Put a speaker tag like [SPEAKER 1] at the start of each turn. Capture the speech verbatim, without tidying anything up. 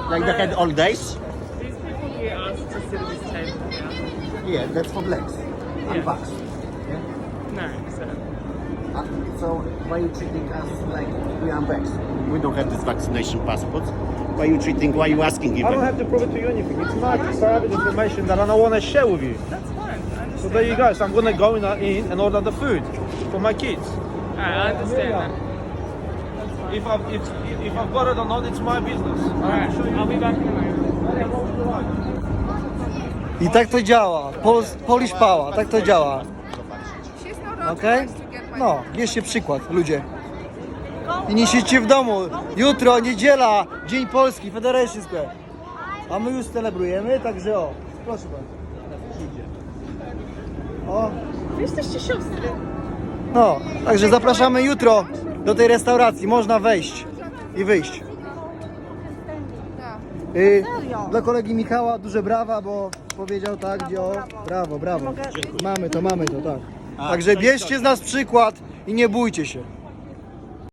[SPEAKER 1] Like they had all days?
[SPEAKER 2] These people here asked to sit at this table now.
[SPEAKER 1] Yeah, that's for blacks. And
[SPEAKER 2] Yeah.
[SPEAKER 1] bucks. Yeah?
[SPEAKER 2] No, so
[SPEAKER 1] Uh, so why you treating us like we are blacks? We don't have this vaccination passports. Why you treating, why you asking
[SPEAKER 3] I don't
[SPEAKER 1] even?
[SPEAKER 3] have to prove it to you anything. It's my private information that I don't want to share with you.
[SPEAKER 2] that's fine. I understand.
[SPEAKER 3] So there you go. So I'm gonna go in, in and order the food for my kids.
[SPEAKER 2] Alright, I understand that.
[SPEAKER 3] If I've if, if I've got it or not, it's my business.
[SPEAKER 2] Alright, I'll be back in a moment.
[SPEAKER 4] I tak to działa. Pols, Polish Power, tak to działa. Okej? No, bierzcie przykład, ludzie. I nie siedźcie w domu. Jutro, niedziela, Dzień Polski, Federation Square. A my już celebrujemy, także o, proszę bardzo. O,
[SPEAKER 2] Wy jesteście siostry.
[SPEAKER 4] no, także zapraszamy jutro do tej restauracji. Można wejść i wyjść. Y, dla kolegi Michała duże brawa, bo powiedział tak, gdzie o, brawo, brawo. Mamy to, mamy to, tak. Także bierzcie z nas przykład i nie bójcie się.